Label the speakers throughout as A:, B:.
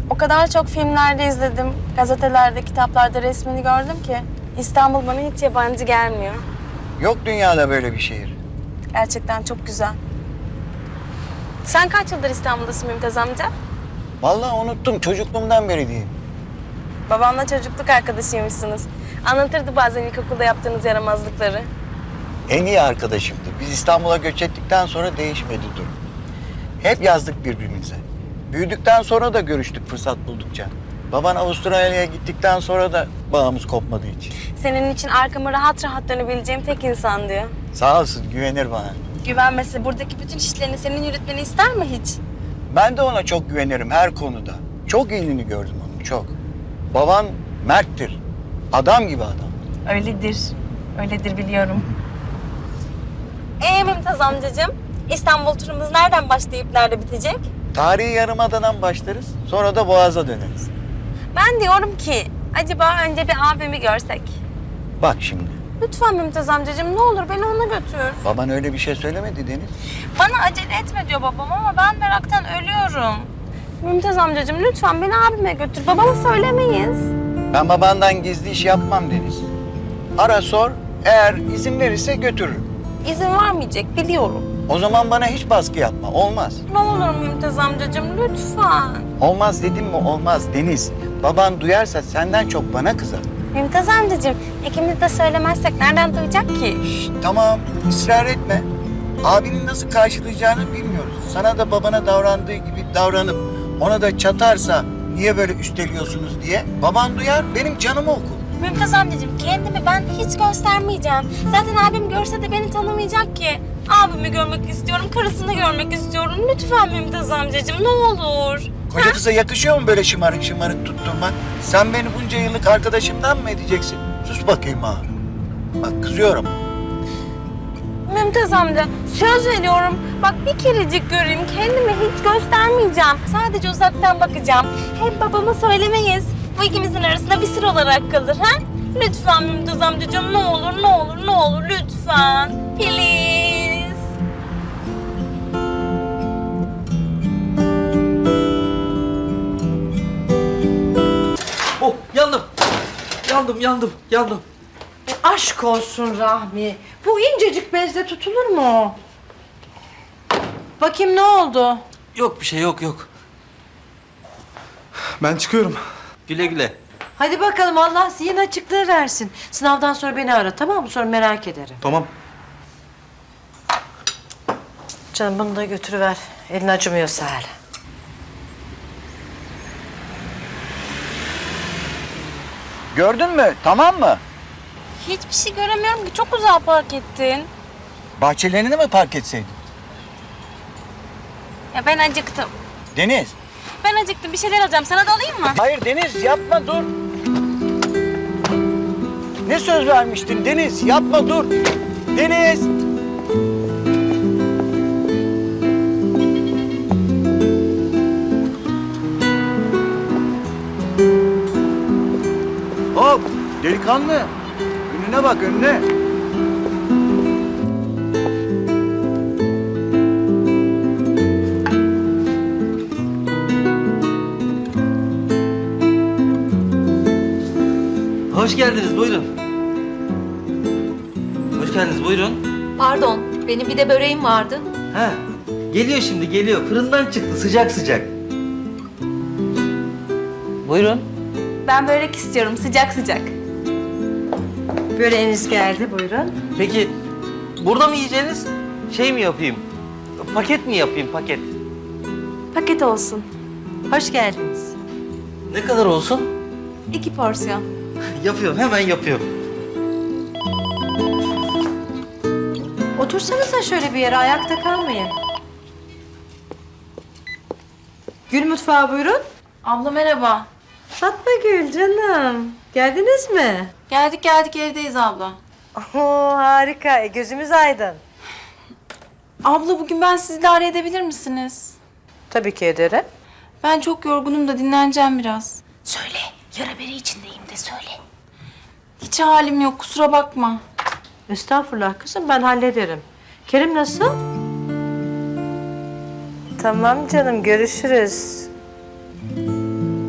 A: O kadar çok filmlerde izledim, gazetelerde, kitaplarda resmini gördüm ki İstanbul bana hiç yabancı gelmiyor.
B: Yok dünyada böyle bir şehir.
A: Gerçekten çok güzel. Sen kaç yıldır İstanbul'dasın Mümtaz amca?
B: Vallahi unuttum, çocukluğumdan beri diyeyim.
A: Babamla çocukluk arkadaşıymışsınız. Anlatırdı bazen ilkokulda yaptığınız yaramazlıkları.
B: En iyi arkadaşımdı. Biz İstanbul'a göç ettikten sonra değişmedi durum. Hep yazdık birbirimize. Büyüdükten sonra da görüştük fırsat buldukça. Baban Avustralya'ya gittikten sonra da bağımız kopmadı hiç.
A: Senin için arkama rahat rahat dönebileceğim tek insan diyor.
B: Sağ olsun, güvenir bana.
A: Güvenmesi buradaki bütün işlerini senin yürütmeni ister mi hiç?
B: Ben de ona çok güvenirim her konuda. Çok iyiliğini gördüm onun, çok. Baban merttir. Adam gibi adam.
A: Öyledir. Öyledir biliyorum. Mümtaz amcacığım, İstanbul turumuz nereden başlayıp nerede bitecek?
B: Tarihi Yarımada'dan başlarız, sonra da Boğaz'a döneriz.
A: Ben diyorum ki, acaba önce bir abimi görsek?
B: Bak şimdi,
A: Lütfen Mümtaz amcacığım, ne olur beni ona götür.
B: baban öyle bir şey söylemedi Deniz.
A: Bana acele etme diyor babam ama ben meraktan ölüyorum. Mümtaz amcacığım lütfen beni abime götür. Babama söylemeyiz.
B: Ben babandan gizli iş yapmam Deniz. Ara sor, eğer izin verirse götürürüm.
A: İzin vermeyecek biliyorum.
B: O zaman bana hiç baskı yapma, olmaz.
A: Ne olur Mümtaz amcacığım lütfen.
B: Olmaz dedim mi olmaz Deniz. Baban duyarsa senden çok bana kızar.
A: Mümtaz amcacığım ikimiz de söylemezsek nereden duyacak ki?
B: Şşt, tamam, ısrar etme. Abinin nasıl karşılayacağını bilmiyoruz. Sana da babana davrandığı gibi davranıp ona da çatarsa niye böyle üsteliyorsunuz diye baban duyar, benim canımı okur.
A: Mümtaz amcacığım kendimi ben hiç göstermeyeceğim. Zaten abim görse de beni tanımayacak ki. Abimi görmek istiyorum, karısını görmek istiyorum. Lütfen Mümtaz amcacığım ne olur.
B: Koca kıza yakışıyor mu böyle şımarık şımarık tutturmak? Sen beni bunca yıllık arkadaşımdan mı edeceksin? Sus bakayım ha. Bak kızıyorum.
A: Mümtaz amca söz veriyorum. Bak bir kerecik göreyim kendimi hiç göstermeyeceğim. Sadece uzaktan bakacağım. Hem babama söylemeyiz. Bu ikimizin arasında bir sır olarak kalır ha? Lütfen Mümtaz amcacığım ne olur ne olur ne olur lütfen. Please.
C: Oh yandım. Yandım.
D: Aşk olsun Rahmi. Bu incecik bezle tutulur mu? Bakayım ne oldu?
C: Yok bir şey yok.
E: Ben çıkıyorum.
C: Güle güle.
D: Hadi bakalım Allah zihin açıklığı versin. Sınavdan sonra beni ara tamam mı? Sonra merak ederim.
E: Tamam.
D: Canım bunu da götürüver. Elin acımıyorsa hala.
B: Gördün mü? Tamam mı?
A: Hiçbir şey göremiyorum ki çok uzağa park ettin.
B: Bahçelerini mi park etseydin?
A: Ya ben acıktım.
B: Deniz.
A: Ben acıktım bir şeyler alacağım sana da alayım mı?
B: Hayır Deniz yapma dur. Ne söz vermiştin Deniz? Yapma dur. Deniz. Hop delikanlı. Önüne bak önüne.
C: Hoş geldiniz buyurun. Hoş geldiniz buyurun.
F: Pardon, benim bir de böreğim vardı.
C: Ha, geliyor şimdi geliyor. Fırından çıktı sıcak sıcak. Buyurun.
A: Ben börek istiyorum sıcak sıcak.
D: Böreğiniz geldi buyurun.
C: Peki burada mı yiyeceğiniz? Şey mi yapayım? Paket mi yapayım paket?
A: Paket olsun.
D: Hoş geldiniz.
C: Ne kadar olsun?
A: 2 porsiyon.
C: Yapıyorum hemen yapıyorum.
D: Otursanıza şöyle bir yere ayakta kalmayın. Gül mutfağı buyurun.
A: Abla merhaba.
D: Fatma Gül canım. Geldiniz mi?
A: Geldik evdeyiz abla.
D: Oo, harika. Gözümüz aydın.
A: Abla bugün ben sizi idare edebilir misiniz?
D: Tabii ki ederim.
A: Ben çok yorgunum da dinleneceğim biraz.
F: Söyle, yara bere içindeyim de söyle.
A: Hiç halim yok kusura bakma.
D: Estağfurullah kızım ben hallederim. Kerim nasıl? Tamam canım görüşürüz.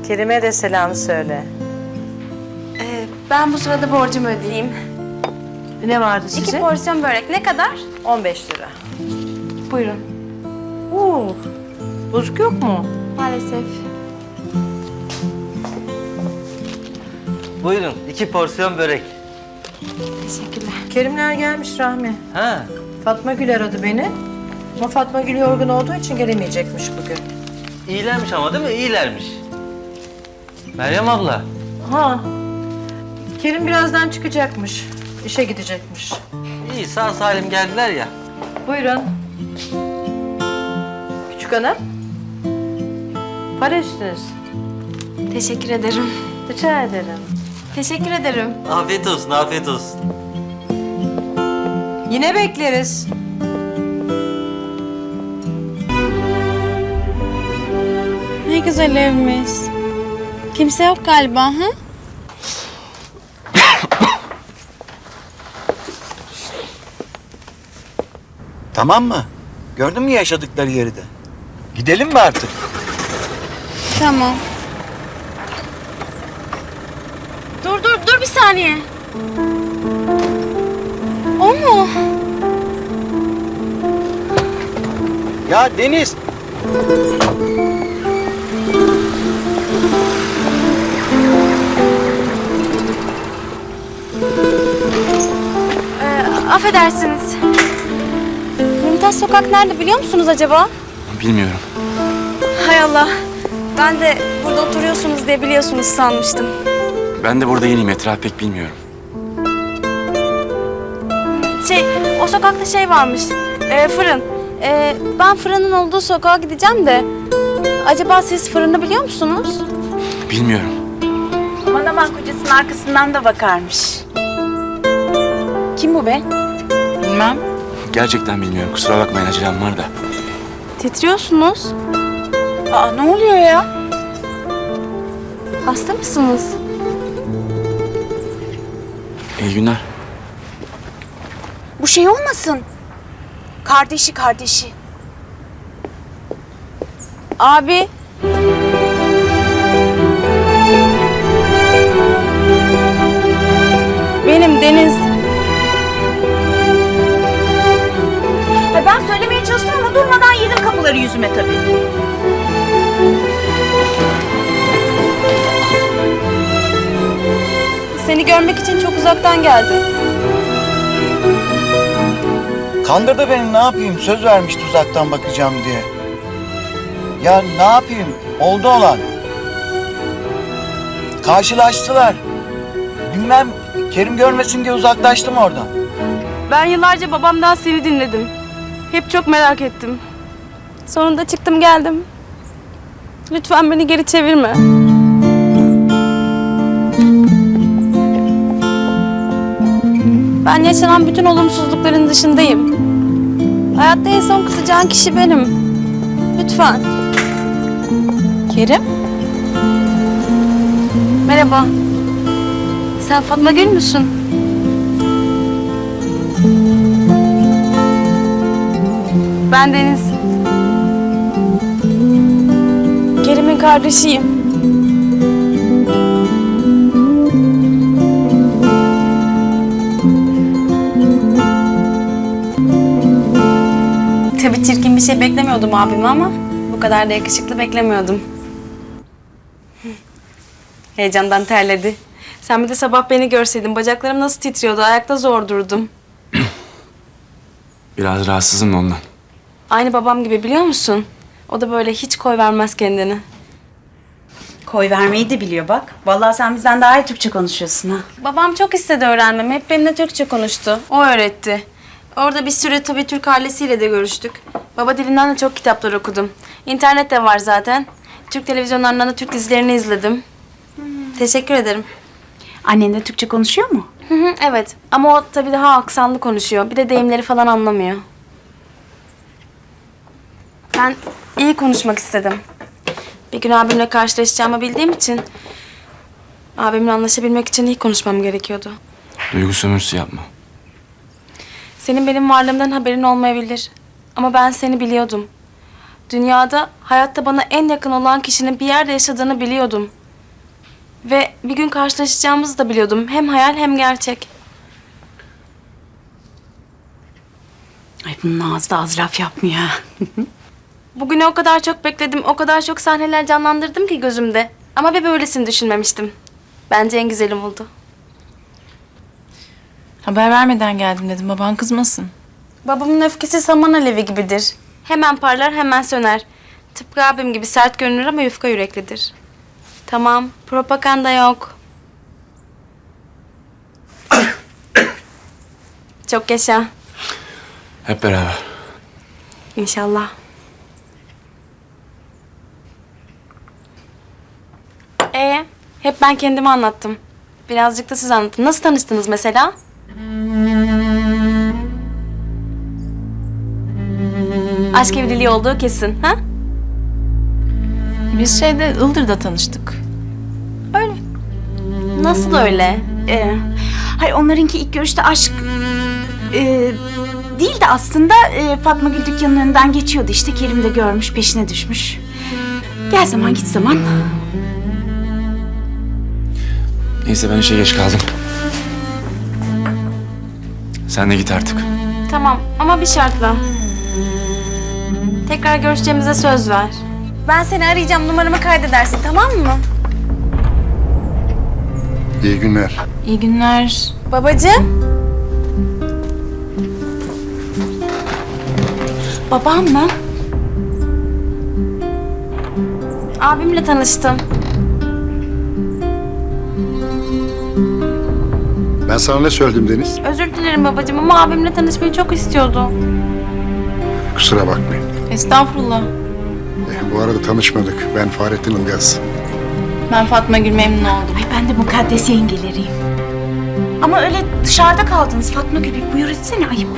D: Kerim'e de selam söyle.
A: Ben bu sırada borcumu ödeyeyim.
D: Ne vardı size?
A: 2 porsiyon börek ne kadar?
D: 15 lira.
A: Buyurun.
D: Oo, bozuk yok mu?
A: Maalesef.
C: Buyurun 2 porsiyon börek.
A: Teşekkürler.
D: Kerimler gelmiş Rahmi.
C: Ha.
D: Fatma Gül aradı beni. Ama Fatma Gül yorgun olduğu için gelemeyecekmiş bugün.
C: İyilermiş ama değil mi? İyilermiş. Meryem abla.
D: Ha. Kerim birazdan çıkacakmış. İşe gidecekmiş.
C: İyi sağ salim geldiler ya.
D: Buyurun. Küçük hanım. Para üstünüz.
A: Teşekkür ederim.
D: Rica ederim.
A: Teşekkür ederim.
C: Afiyet olsun, afiyet olsun.
D: Yine bekleriz.
A: Ne güzel evmiş. Kimse yok galiba ha?
B: Tamam mı? Gördün mü yaşadıkları yeri de? Gidelim mi artık?
A: Tamam. Dur bir saniye. O mu?
B: Ya Deniz!
A: Affedersiniz. Mümtaz Sokak nerede biliyor musunuz acaba?
E: Bilmiyorum.
A: Hay Allah. Ben de burada oturuyorsunuz diye biliyorsunuz sanmıştım.
E: Ben de burada yeniyim. Etrafı pek bilmiyorum.
A: O sokakta şey varmış. Fırın. Ben fırının olduğu sokağa gideceğim de. Acaba siz fırını biliyor musunuz?
E: Bilmiyorum.
G: Aman aman kocasının arkasından da bakarmış. Kim bu be? Bilmem.
E: Gerçekten bilmiyorum. Kusura bakmayın, acelem var da.
A: Titriyorsunuz.
G: Aa ne oluyor ya?
A: Hasta mısınız?
E: İyi günler.
G: Bu şey olmasın. Kardeşi.
A: Abi. Benim Deniz.
G: Ben söylemeye çalıştım ama durmadan yedim kapıları yüzüme tabii.
A: Seni görmek için çok uzaktan geldim.
B: Kandırdı beni, ne yapayım? Söz vermişti uzaktan bakacağım diye. Ya ne yapayım? Oldu olan. Karşılaştılar. Bilmem, Kerim görmesin diye uzaklaştım oradan.
A: Ben yıllarca babamdan seni dinledim. Hep çok merak ettim. Sonunda çıktım geldim. Lütfen beni geri çevirme. Ben yaşanan bütün olumsuzlukların dışındayım. Hayatta en son kızacağın kişi benim. Lütfen.
G: Kerim?
A: Merhaba. Sen Fatma Gül müsün? Ben Deniz. Kerim'in kardeşiyim. Tabii çirkin bir şey beklemiyordum abime ama bu kadar da yakışıklı beklemiyordum. Heyecandan terledi. Sen bir de sabah beni görseydin bacaklarım nasıl titriyordu, ayakta zor durdum.
E: Biraz rahatsızım da ondan.
A: Aynı babam gibi biliyor musun? O da böyle hiç koy vermez kendini.
G: Koy vermeyi de biliyor bak. Vallahi sen bizden daha iyi Türkçe konuşuyorsun ha.
A: Babam çok istedi öğrenmemi. Hep benimle Türkçe konuştu. O öğretti. Orada bir süre tabii Türk ailesiyle de görüştük. Baba dilinden de çok kitaplar okudum. İnternet de var zaten. Türk televizyonlarından da Türk dizilerini izledim. Teşekkür ederim.
G: Annen de Türkçe konuşuyor mu?
A: Hı hı, evet. Ama o tabii daha aksanlı konuşuyor. Bir de deyimleri falan anlamıyor. Ben iyi konuşmak istedim. Bir gün abimle karşılaşacağımı bildiğim için... abimle anlaşabilmek için iyi konuşmam gerekiyordu.
E: Duygu sömürüsü yapma.
A: Senin benim varlığımdan haberin olmayabilir. Ama ben seni biliyordum. Dünyada, hayatta bana en yakın olan kişinin bir yerde yaşadığını biliyordum. Ve bir gün karşılaşacağımızı da biliyordum. Hem hayal hem gerçek.
G: Ay bunun ağzı da az laf yapmıyor ha.
A: Bugünü o kadar çok bekledim, o kadar çok sahneler canlandırdım ki gözümde. Ama bir böylesini düşünmemiştim. Bence en güzelim oldu.
H: Haber vermeden geldim dedim. Baban kızmasın.
A: Babamın öfkesi saman alevi gibidir. Hemen parlar, hemen söner. Tıpkı abim gibi sert görünür ama yufka yüreklidir. Tamam, propaganda yok. Çok yaşa.
E: Hep beraber.
A: İnşallah. Hep ben kendimi anlattım. Birazcık da siz anlatın. Nasıl tanıştınız mesela? Aşk evliliği olduğu kesin, ha?
H: Biz Ildır'da tanıştık.
A: Nasıl öyle?
G: Hayır onlarınki ilk görüşte aşk değil de aslında Fatma Gül dükkanının önünden geçiyordu işte. Kerim de görmüş, peşine düşmüş. Gel zaman git zaman.
E: Neyse ben işe geç kaldım. Sen de git artık.
A: Tamam ama bir şartla. Tekrar görüşeceğimize söz ver. Ben seni arayacağım, numaramı kaydedersin, tamam mı?
I: İyi günler.
H: İyi günler.
A: Babacığım.
G: Babam mı?
A: Abimle tanıştım.
I: Ben sana ne söyledim Deniz?
A: Özür dilerim babacığım ama abimle tanışmayı çok istiyordu.
I: Kusura bakmayın.
H: Estağfurullah.
I: Bu arada tanışmadık. Ben Fahrettin Ilgaz.
H: Ben Fatma Gül, memnun oldum.
G: Ay ben de mukaddes yengeleriyim. Ama öyle dışarıda kaldınız Fatma Gül. Bir buyur etsene, ayıp.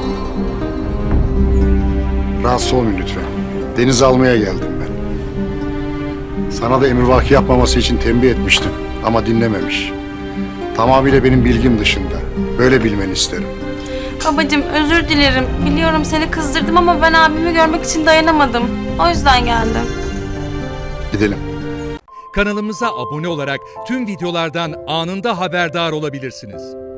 I: Rahatsız olmayın lütfen. Deniz almaya geldim ben. Sana da emrivaki yapmaması için tembih etmiştim. Ama dinlememiş. Tamamıyla benim bilgim dışında. Böyle bilmeni isterim.
A: Babacığım özür dilerim. Biliyorum seni kızdırdım ama ben abimi görmek için dayanamadım. O yüzden geldim.
I: Gidelim.
J: Kanalımıza abone olarak tüm videolardan anında haberdar olabilirsiniz.